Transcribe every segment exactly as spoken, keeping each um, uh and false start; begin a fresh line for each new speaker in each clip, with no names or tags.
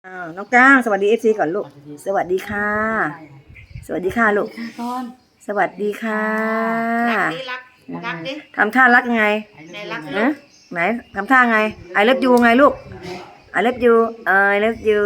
อ้าวน้องก้างสวัสดีเอฟซีก่อนลูกสวัสดีค่ะสวัสดีค่ะลูกสวัสดีค่ะ
รักดิรักรักดิ
ทำท่ารักยังไง
ไหนรัก
นะไหนทำท่าไงไอเลิฟยูไงลูกไอเลิฟยูไอเลิฟยู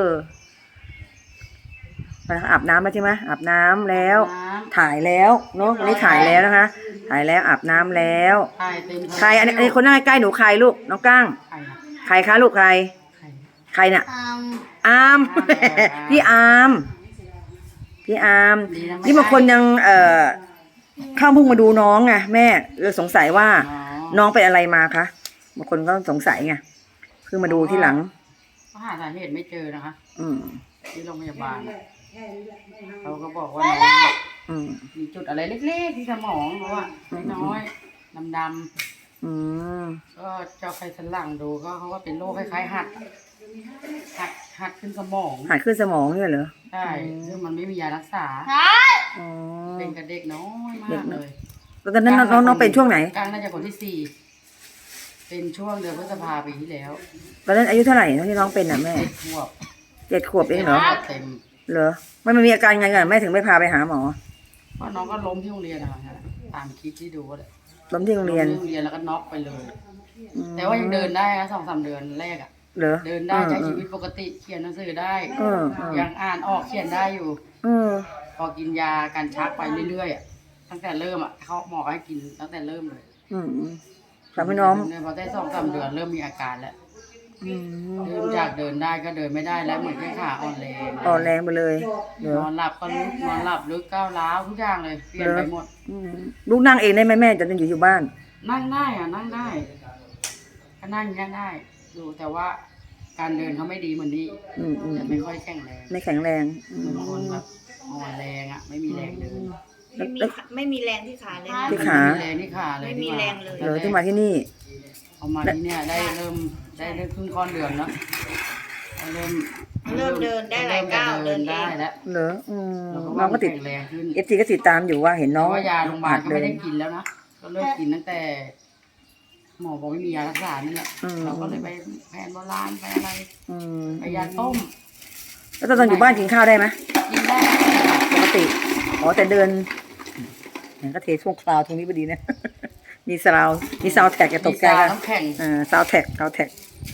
อาบน้ำแล้วใช่ไหมอาบน้ำแล้วถ่ายแล้วเนาะวันนี้ถ่ายแล้วนะคะถ่ายแล้วอาบน้ำแล้วใครอันนี้อันนี้คนนั่งใกล้ๆหนูใครลูกน้องก้างใครคะลูกใครใครน่ะอาร์มพี่อาร์มพี่อาร์มนี่บางคนยังเอ่อเข้าเพิ่งมาดูน้องไงแม่เลยสงสัยว่าน้องเป็นอะไรมาคะบางคนก็สงสัยไงเพิ่งมาดูที่หลัง
เขาหาสาเหตุไม่เจอนะคะ
อืม
ที่โรงพยาบาลเขาก็บอกว่าน้องมีจุดอะไรเล็กๆที่สมองเพราะว่าน้อยๆดำๆ
อืม
ก็เจาะไขสันหลังดูก็เขาว่าเป็นโรคคล้ายๆหัดหัดหัดขึ้นสมอง
หัดขึ้นสมองเนี่ยเหรอ
ใช่ซึ่งมันไม่มียารักษาเป็นกับเด็กน้อยมากเลย
แล้วตอนนั้นน้องน้องเป็นช่วงไหน
กลางน่าจะคนที่สี่เป็นช่วงเดือนพฤษภาปีที่แล้ว
ตอนนั้นอายุเท่าไหร่ตอนที่น้องเป็นอ่ะแม่
เจ็ดขวบ
เจ็ดขวบเองเหรอ
เต็ม
เหรอไม่มันมีอาการไงกันแม่ถึงไม่พาไปหาหมอ
เพราะน้องก็ล้มที่โรงเรียนนะคะตามคลิปที่ดูเลย
ล้มที่โรงเรียน
โรงเรียนแล้วก็น็อกไปเลยแต่ว่ายังเดินได้นะสองสามเดือนแรกอ่ะเดินได้ใช้ชีวิตปกติเขียนหนังสือได้ยังอ่านออกเขียนได้อยู่พอกินยาการชักไปเรื่อยๆอ่ะตั้งแต่เริ่มอ่ะเขาหมอให้กินตั้งแต่เริ่มเลย
ทำให้น้อง
พอได้สองสามเดือนเริ่มมีอาการแล้วเริ่มจากเดินได้ก็เดินไม่ได้แล้วเหมือนแค่ขาอ่อนแรง
อ่อนแรงไปเลย
นอนหลับก็ลุกนอนหลับลึกก้าวร้าวทุกอย่างเลยเปลี่ยนไปหมด
ลูกนั่งเองได้ไหมแม่จะต้องอยู่อยู่บ้าน
นั่งได้อ่ะนั่งได้ก็นั่งยังได้ดูแต่ว่าการเดินเขาไม่ดีเหมือนนี้จะไม่ค่อยแข็งแรง
ไม่แข็งแรง
เหมือนคนแบบอ่อนแรงอ่ะไม่มีแรงเดิน
ไม่มีไม่มีแรงที่ขาเลย
ที่ขา
ไม่มีแรงที่ขาเลย
ไม่มีแรงเลย
เหรอที่มาที่นี่
เอามาที่เนี่ยได้เริ่มได้ได้ครึ่งก้อนเดือนแล้วเริ่ม
เริ่มเดินได้หลายก้าวเดิน
ได้แล้ว
เหรอน้องก็ติดเอฟซีก็ติดตามอยู่ว่าเห็นน้อง
ว่ายาโรงพยาบาลก็ไม่ได้กินแล้วนะก็เลิกกินตั้งแต่หมอบอกไม่มียารักษานี่แหละเราก็เลยไปแผนโบราณไปอะไรไปยาต้ม
แล้วตอนอยู่บ้านกินข้าวได้ไหม
กินได้
ปกติอ๋อแต่เดินก็เทช่วงคราวตรงนี้พอดีนะมีซาวมีซาวแท็กจะตกใจกันอ่าซาวแท็กซาวแท็ก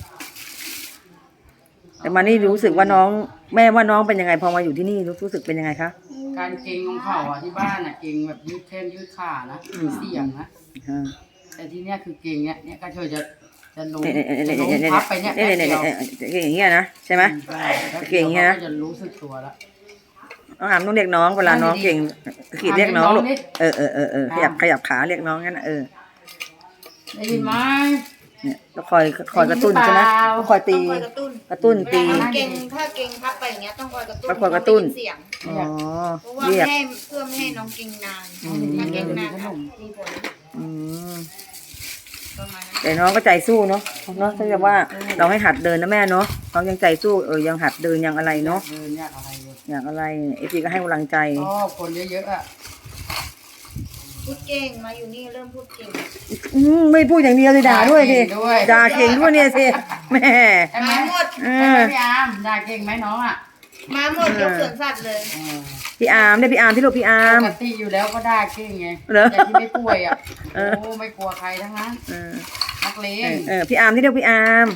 แต่มานี่รู้สึกว่าน้องแม่ว่าน้องเป็นยังไงพอมาอยู่ที่นี่รู้สึกเป็นยังไงคะ
การเกร็งของเข่าอ่ะที่บ้านอ่ะเกร็งแบบยืดแข้งยืดขานะมีเสียงนะแต่ที่เนี้ยคือเกร็งเนี้ยเนี้ยก็เธอจะจะล้มจะล้มพับไปเนี้ยเ
ก่งอย่างเงี้ยนะใช่ไหมเก่งอย่างเงี้ยนะ
จะรู้สึกตัวแล้ว
น้องอามต้องเรียกน้องเวลาน้องเก่งขีดเรียกน้องลูกเออเออเออเออขยับขยับขาเรียกน้องงั้นนะเออ
ได้ยินไหม
เนี่ยต้องคอยคอยกระตุ้นใช่ไหมต้องคอยตีกระตุ้นตี
เก่งถ้าเก่งพับไปอย่างเงี้ยต้องคอยกระตุ้น
คอยกระตุ้น
เสียง
อ๋อ
เพราะว่าไม่ให้เพื่อไม่ให้น้องเก่งนานถ้าเก่งนานมีผล
อืมแต่น้องก็ใจสู้เนาะเนาะถ้าจะว่าเราให้หัดเดินนะแม่เนาะน้องยังใจสู้เออยังหัดเดินยังอะไรเนาะ
เดินยากอะไร
อย่างอะไรเอฟซีก็ให้กำลังใจ
อ๋อคนเยอะๆอ่ะ
พูดเก่งมาอยู่นี่เริ่มพูดเก่ง
อืมไม่พูดอย่างเดียวเลยด่าด้วยสิด่าเก่งด้วยเนี่ยสิแม่
มาหมด
พี่อาร์มด่าเก่งไหมน้องอ่ะ
มาหมดยกสวนสัตว์เลย
พี่อาร์มได้พี่อาร์มที่ลูกพี่อาร์ม
ปกติอยู่แล้วก็ด่าเก่งไงแต่ที่ไม่ป่วยอ่ะโอ้ไม่กลัวใครทั้งนั้นนักเลง
เออพี่อาร์มที่เรียกพี่อาร์ม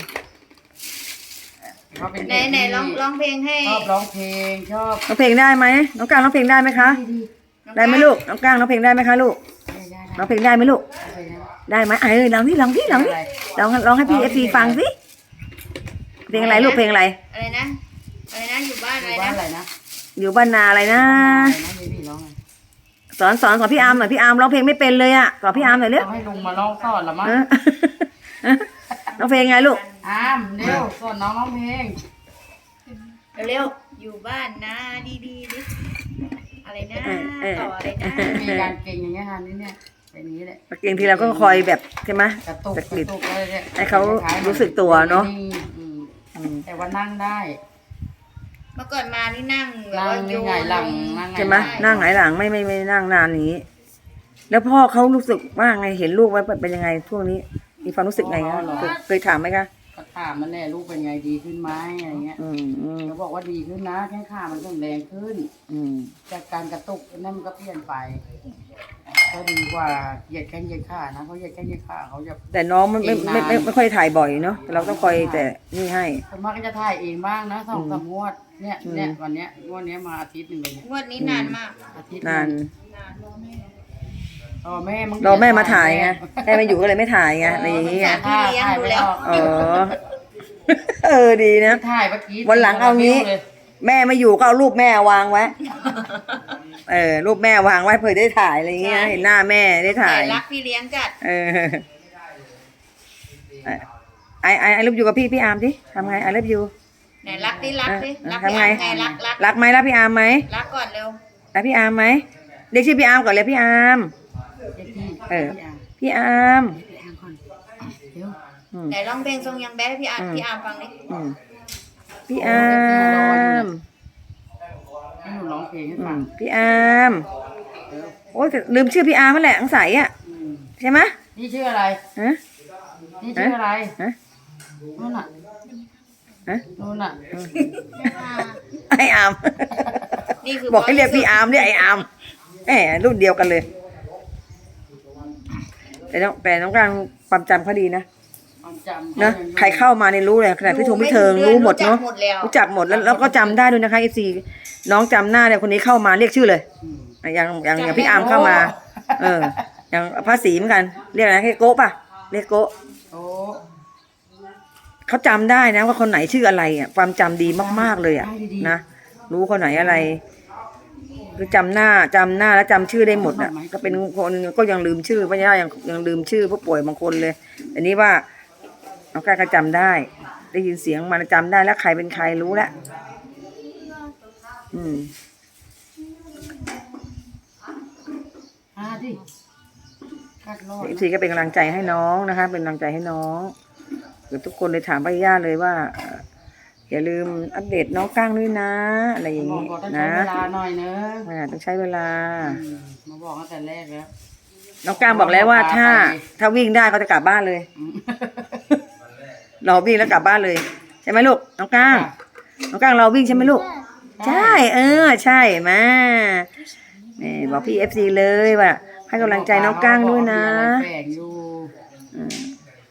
ไหนไหนร้องร้องเพลงให้
ชอบร้องเพลงชอบ
ร้องเพลงได้ไหมน้องก้างร้องเพลงได้ไหมคะได้ไหมลูกน้องก้างร้องเพลงได้ไหมคะลูกร้องเพลงได้ไหมลูกได้ไหมเออลองที่ลองที่ลองที่ลองร้องให้พี่เอฟซีฟังสิเพลงอะไรลูกเพลงอะไร
อะไรนะอะไรนะอยู่บ้านอะไรนะ
อยู่บ้านนาอะไรนะสอนสอนสอนพี่อาร์มหน่อยพี่อาร์มร้องเพลงไม่เป็นเลยอ่ะสอนพี่อาร์มหน่อยเร็ว
ให้ลุงมาร้องสอนละมั้ง
ร้องเพลงไงลูก
อาร์มเร็วสอนน้องร้องเพลง
เร็วอยู่บ้านนะดีดีดิอะไรนะต่ออะไรนะ
มีการเก่งอย่างเงี้ยค่ะนี่เนี่ยแบบนี้แหละ
เก่งทีเราก็คอยแบบใช่ไหม
กระตุกกระตุก
ให้เขารู้สึกตัวเนาะ
แต่ว่านั่งได้
เมื่อก่อนมานี่นั่งแบบว่าโยน
หลัง
ใช่ไหมนั่งหงายหลังไม่ไม่ไม่นั่งนานนี้แล้วพ่อเขารู้สึกว่าไงเห็นลูกไว้เป็นยังไงช่วงนี้มีความรู้สึกไงคะเคยถามไหมคะ
ถามมันแหละลูกเป็นไงดีขึ้นไหมอะไรเงี้ย
อืมอืม
เขาบอกว่าดีขึ้นนะแข้งขามันแข็งแรงขึ้น
อืม
จากการกระตุกนั่นมันก็เปลี่ยนไปก็ดีกว่าเหยียดแข้งเหยียดขานะเขาเหยียดแข้งเหยียดขาเขาจะ
แต่น้องมันไม่ไม่ไม่ไม่ค่อยถ่ายบ่อยเนาะแต่เราต้องคอยแต่นี่ให้
ส่วนมากก็จะถ่ายเองบ้างนะสองสามงวดเนี่ย
อืม
เนี่ยวันเนี้ยงวดเนี้ยมาอาทิตย์หนึ่งเลยเนี่ย
งวดนี้นานมาก
อาทิตย์
นาน
รอแม่มึง
รอแม่มาถ่ายไงแม่ไม่อยู่ก็เลยไม่ถ่ายไงอะไรอย่างเงี้ย
ถ่ายถ่ายไม่ออก
อ๋อเออดีนะ
ถ่ายเมื่อกี้
วันหลังเอางี้
เลย
แม่ไม่อยู่ก็เอารูปแม่วางไว้ เออ รูปแม่วางไว้เผื่อได้ถ่ายอะไรเงี้ยเห็นหน้าแม่ได้ถ่าย
แต่รักพี่เลี้ยงจัด
เออไอไอไอรูปอยู่กับพี่พี่อาร์มดิทำไงไอรูปอยู่
ไหนรักดิรักดิ
เออ
รัก
ทำ
พี่
ไง
อาร์มไงรักรัก
รักไหมรักพี่อาร์มไหม
รักก่อนเร็ว
รักพี่อาร์มไหมเรียกชื่อพี่อาร์มก่อนเลยพี่อาร์ม
เดี๋ยวพี่
เออ
พี่อาร์
พี่อาร์ม
พี่อาร์ก่อนเดี๋ยว
อืม
ไหนร้องเพลงทรงยังแบดให้พี่อาร์ม
อืม
พี่อาร์มฟังดิ
อืมพี่อาร์ม
ให้หนูร้องเพลงให้
อื
ฟัง
มพี่อาร์มโอ้ยแต่ลืมชื่อพี่อาร์มนั่นแหละอังใสอ่ะ
อืม
ใช่ไหม
นี่ชื่ออะไร
ฮะ
นี่ชื่ออะไร
ฮะ
นู่นน่ะ
ฮะ
นู่นน่ะ
ไออาร์ม
นี่คือ
บอกให้เรียกพี่อาร์มเรียกไออาร์มแหมรุ่นเดียวกันเลย แต่น้องแต่น้องกลางความจำเขาดีนะ
ความจำ
นะใครเข้ามาเนี่ยรู้เลยขนาดพี่ทงพี่เทิงรู้หมดเนาะ
รู้จักหมดแล้ว
รู้จักหมดแล้วแล้วก็จำได้ด้วยนะคะเอฟซีน้องจำหน้าเนี่ยคนนี้เข้ามาเรียกชื่อเลย
อืม
อย่างอย่างอย่างพี่อาร์มเข้ามา เออ อย่างภาษีเหมือนกัน เรียกอะไรนะเรียกโก้ป่ะเรียกโก้
โอ้
เขาจำได้นะว่าคนไหนชื่ออะไรอ่ะความจำดีมากๆเลยอ่ะนะรู้คนไหนอะไรคือจำหน้าจำหน้าแล้วจำชื่อได้หมดอ่ะก็เป็นคนก็ยังลืมชื่อไม่ใช่ยังยังลืมชื่อผู้ป่วยบางคนเลยอันนี้ว่าน้องกล้าก็จำได้ ได้ยินเสียงมันจำได้แล้วใครเป็นใครรู้แล้วอืม
อ่าดิกัดรอด
เอฟซีก็เป็นกำลังใจให้น้องนะคะ เป็นกำลังใจให้น้องเกือบทุกคนเลยถามป้าย่าเลยว่าเอ่ออย่าลืมอัปเดตน้องก้างด้วยนะ อะไรอย่าง
บอก
นี้
บอกต้องใช้
นะ
เวลาหน่อยเนอะ
อ่าต้องใช้เวลา
อืมมาบอกตั้งแต่แรกแล้ว
น้องก้างบอกแล้วว่าถ้าถ้าวิ่งได้เขาจะกลับบ้านเลย
อืม
รอวิ่งแล้วกลับบ้านเลยใช่ไหมลูกน้องก้างน้องก้างรอวิ่งใช่ไหมลูกใช่เออใช่มานี่บอกพี่เอฟซีเลยว่าให้กำลังใจน้องก้างด้วยนะ
แฝงอยู่
อืม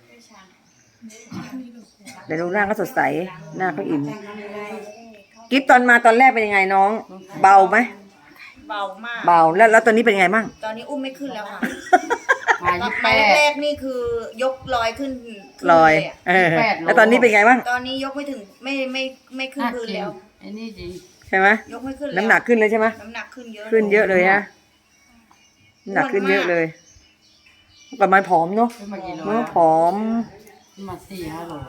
เดี๋ยวดูหน้าก็สดใสหน้าเขาอิ่มกิฟตอนมาตอนแรกเป็นยังไงน้อง เบาไหม
เบามาก
เบาแล้วแล้วตอนนี้เป็นยังไงบ้าง
ตอนนี้อุ้มไม่ขึ้นแล้วค่ะ
มา
ตอ
ยี่
น
แป
มา
ด
แรกๆนี่คือยกลอยขึ้นขึ้น
ลอย
เะ
เออ
แปดโล
แล้วตอนนี้เป็นไงบ้าง
ตอนนี้ยกไม่ถึงไม่ไม่ไม่ขึ้น
น่า
พื้น
กิน
แล้ว
ไอ้นี่จริง
ใช่ไหม
ยกไม่ขึ้นแล้ว
น้ำหนักขึ้นเลยใช่ไหม
น้ำหนักขึ้นเยอะ
ขึ้นเยอะเลยฮะน้ำหนักขึ้นเยอะเลยเมื่อก่อนมันผอมเนาะ
ขึ้นมากี่โล
เมื่อผอม
ขึ้นมาสี่ห้าโล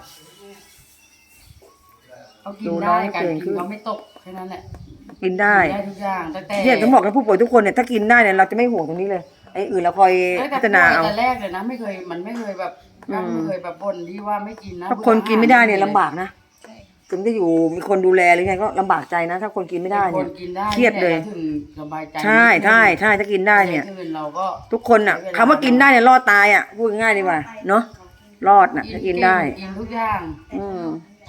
เขากิ
ดู
น
น้
ได้
อง
การ
เก่ง
กิ
ขึ้
น
น
เขาไม่ตกแค่นั้นแหละ
กินได้
ได้ทุกอย่างตั้งแต่
เนี่ยต้องบอกนะผู้ป่วยทุกคนเนี่ยถ้ากินได้เนี่ยเราจะไม่ห่วงตรงนี้เลยไอ้อื่นเราคอย
ตั้ง
พั
แต่
ฒนา
ป่วย
เอา
แต่แรกเลยนะไม่เคยมันไม่เคยแบบ
อืม
ไม่เคยแบบบ่นที่ว่าไม่กินนะ
ถ้าคนกินไม่ได้เนี่ยลำบากนะถึงจะอยู่มีคนดูแลหรือไงก็ลำบากใจนะ ถ้าคนกินไม่ได้
ค
เนี่ย
นกินได้
เครียดเลย
ถึงสบายใจ
ใช่ใช่ใช่ถ้ากินได้เนี่ย
อื่นเราก็
ทุกคนอ่ะคำว่ากินได้เนี่ยรอดตายอ่ะพูดง่ายดีกว่าเนาะรอดน่ะถ้ากินได้
กินทุกอย่าง
อืม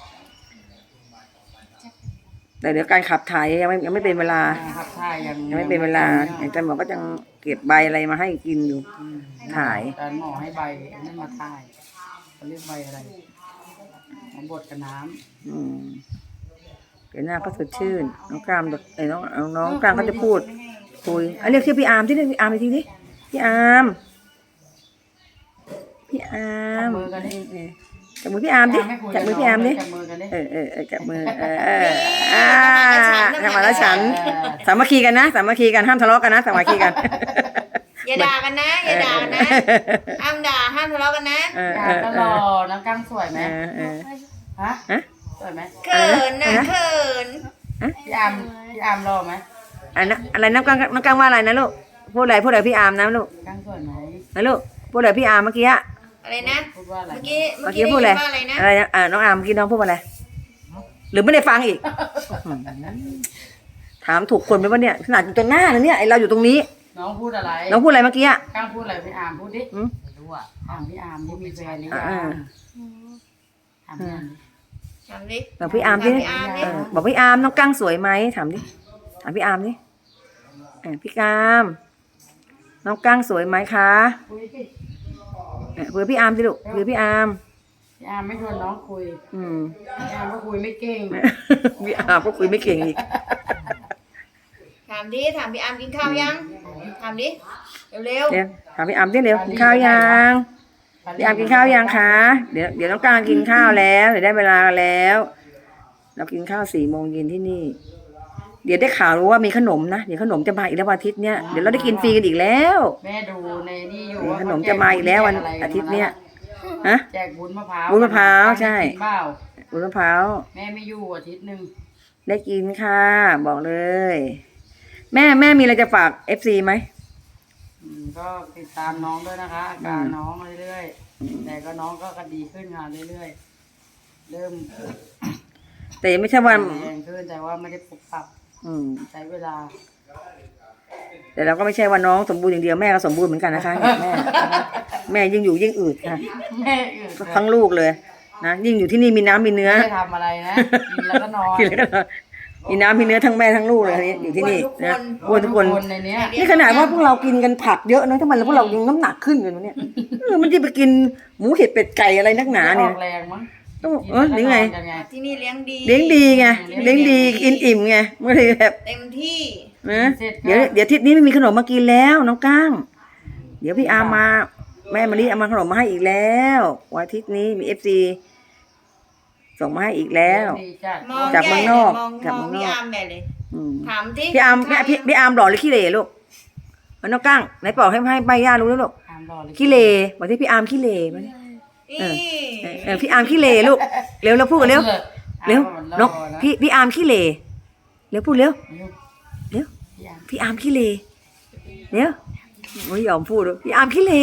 แต่เดี๋ยวการขับถ่ายยังไม่ยังไม่เป็นเวลา
ครับถ่ายยัง
ยังไม่เป็นเวลาอาจารย์หมอก็ยังเก็บใบอะไรมาให้กินอยู่
อืม
ถ่าย
อาจารย์หมอให้ใบนั่นมาถ่ายเขาเรียกใบอะไรมาบดกับน้ำ
อืมเดี๋ยวหน้าก็สดชื่นน้องกรามไอ้น้องเอาน้องกรามก็จะพูดคุยอ่ะเรียกชื่อพี่อาร์มที่เรียกพี่อาร์มอีกทีดิพี่อาร์มพี่อาร์ม
จับมือกันดิ
เออจับมือพี่อาร์มดิจับมือพี่อาร์มดิ
จับมือกันดิ
เออเออเออจับมือเออเอออ่าทำมาแล้วฉันสามัคคีกันนะสามัคคีกันห้ามทะเลาะกันนะสามัคคีกัน
อย่าด่ากันนะอย่าด่ากันนะห้ามด่าห้ามทะเลาะกันนะ
เออ
อยา
เอก อ
ก็
เอ
รอ
อ
น้ำกั้งสวยไหม
เออเออ
ฮะ
ฮะ
สวยไหม
เขินนะเขิน
พี่อามพี่อามรอไหม
อันนั้นอะไรน้ำกังน้ำกังว่าอะไรนะลูกพูดอะไรพูดอะไรพี่อาร์มนะลูก
กั้งสวยไหม
นะลูกพูดอะไรพี่อาร์มเมื่อกี้อะ
อะไรนะ
พูดว่าอะไร
เมื่อกี้เมื่
เมื่
อ
อ
กี้
กี้
ได้
พูด
ยิ
อะไร
นว่าอะไรนะ
อะไรนะอ่าน้องอาร์มเมื่อกี้น้องพูดว่าอะไรหรือไม่ได้ฟังอีกอืมถามถูกคนไหมวะเนี่ยขนาดอยู่ตรงหน้านะเนี่ยไอเราอยู่ตรงนี้
น้องพูดอะไร
น้องพูดอะไรเมื่อกี้อะ
กั้งพูดอะไรพี่อามพูดดิ
อืม
ไม่รู้อ่ะถามพี่อามที่มีแฟนหรือ
อ่า
ยังถามพี่อาร์ม
ถามดิ
บอกพี่อาร์มดิ
ถพี่อาร์มดิ
เออบอกพี่อาร์มน้องกั้งสวยไหมถามดิถามพี่อาร์มดิเออพี่กามน้องกั้งสวยไหมคะ
คุยสิ
เออคุยกับพี่อาร์มดิลูกคุยกับพี่อาร์ม
พี่อาร์มไม่ชวนน้องคุย
อืม
พี่อาร์มก็คุยไม่เก่ง
พี่อาร์มก็คุยไม่เก่งอีก
ถามดิถามพี่อาร์มกินข้าวยังถามดิเร็ว
เดี๋ยวถามพี่อาร์มดิเร็วกินข้าวยังพี่อาร์มกินข้าวยังคะเดี๋ยวเดี๋ยวน้องกั้งกินข้าวแล้วเดี๋ยวได้เวลาแล้ว เรากินข้าวสี่โมงเย็นที่นี่ เดี๋ยวได้ข่าวรู้ว่ามีขนมนะเดี๋ยวขนมจะมาอีกแล้ววันอาทิตย์เนี้ยเดี๋ยวเราได้กินฟรีกันอีกแล้ว
แม่ดูในนี่อยู่
ขนมจะมาอีกแล้ววันอาทิตย์เนี้ยฮะ
แจกวุ้นมะพร้าว
วุ้นมะพร้าวใช่
กินเปล่า
วุ้นมะพร้าว
แม่ไม่อยู่อาทิตย์หนึ่ง
ได้กินค่ะ บอกเลย แม่แม่มีอะไรจะฝากเอฟซีไหม
อืมก็ติดตามน้องด้วยนะคะอาการน้องเรื่อยๆแต่ก็น้องก็กระดีขึ้นค่ะเรื่อยๆเริ่ม
แต่ยังไม่ใช่ว่า
แรงขึ้นแต่ว่าไม่ได้ปรับปรับ
อืม
ใช้เวลา
แต่เราก็ไม่ใช่ว่าน้องสมบูรณ์อย่างเดียวแม่ก็สมบูรณ์เหมือนกันนะคะแม่แม่ยิ่งอยู่ยิ่งอืดค่ะ
แม่อื่น
ทั้งลูกเลยนะยิ่งอยู่ที่นี่มีน้ำมีเนื้อ
ไม่ได้ทำอะไรนะกินแล้วก็นอน
กินแล้วก็มีน้ำมีเนื้อทั้งแม่ทั้งลูกเลยนี่อยู่ที่นี่นะอ้วนทุกคน
ในเนี้ย
นี่ขนาดว่าพวกเรากินกันผักเยอะนะทำไมพวกเรายังน้ำหนักขึ้นกันวะเนี่ยเออมันจะไปกินหมูเห็ดเป็ดไก่อะไรนักหนา
อ
เนี่ย
อกแรงมั้ง
ต้องเออหรือไง
กินแล้วก็นอนกัน
ๆที่นี่เลี้ยงดี
เลี้ยงดีไงเลี้ยงดีกินอิ่มไงไม่ได้แบบ
เต็มที่
นะเดี๋ยวเดี๋ยวอาทิศนี้ไม่มีขนมมากินแล้วน้องก้างเดี๋ยวพี่อาร์มมาแม่มารีเอามาขนมมาให้อีกแล้ววันอาทิตย์นี้มีเอฟซีส่งมาให้อีกแล้ว
ดีจัด
มอง
จากเมืองนอก
มอง
จาก
ม
เมื
อง
องนอก
พี่อาร์มใหญ่เลย
อืม
ถามที่
พี่อาร์มพี่พี่พี่อาร์มหล่อหรือขี้เหร่ลูกเอาน้องก้างไหนบอกให้ให้ใบย่ารู้แล้วลูก
ตามรอเลย
ขี้เหร่บอกที่พี่อาร์มขี้เหร่มาดิ
นี่
เออ เออพี่อาร์มขี้เหร่ลูกเร็วเราพูดกันเร็วเร็วน้องพี่พี่อาร์มขี้เหร่เร็วพูดเร็ว เร็ว พี่อาร์มขี้เหร่เร็วไม่ยอมพูดด้วยพี่อาร์มขี้เหร่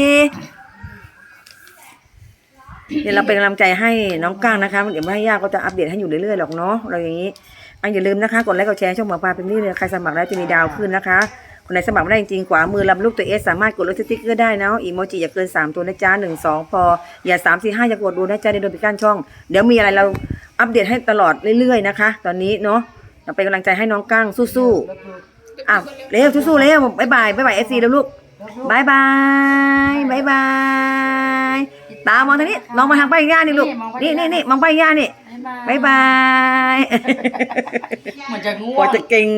เดี๋ยวเราเป็นกำลังใจให้น้องก้างนะคะเดี๋ยวแม่ย่าก็จะอัปเดตให้อยู่เรื่อยๆหรอกเนาะเราอย่างนี้อันอย่าลืมนะคะกดไลค์กดแชร์ช่องหมอปลาเป็นนี่เลยใครสมัครแล้วจะมีดาวขึ้นนะคะคนไหนสมัครไม่ได้จริงๆขวามือลำรูปตัวเอสสามารถกดลดสติ๊กเกอร์ได้นะอีโมจิอย่าเกินสามตัวนะจ๊ะหนึ่งสองพออย่าสามสี่ห้าอย่ากดดูนะจ๊ะเดี๋ยวโดนปิดกั้นช่องเดี๋ยวมีอะไรเราอัปเดตให้ตลอดเรื่อยๆนะคะ ตอนนี้เนาะเราเป็นกำลังใจให้น้องก้างสู้ๆอ้าวเร็วสู้ๆเร็วบ๊ายบายบ๊ายบายเอฟซีแล้วลูกบ๊ายบายบ๊ายบายตามองทางนี้มองมาทางป้ายย่านี่ลูกนี่นี่นี่มองป้ายย่านี่
บ๊ายบาย
บ๊ายบาย
เหมือนจะง่ว
กว่าง จะเก่ง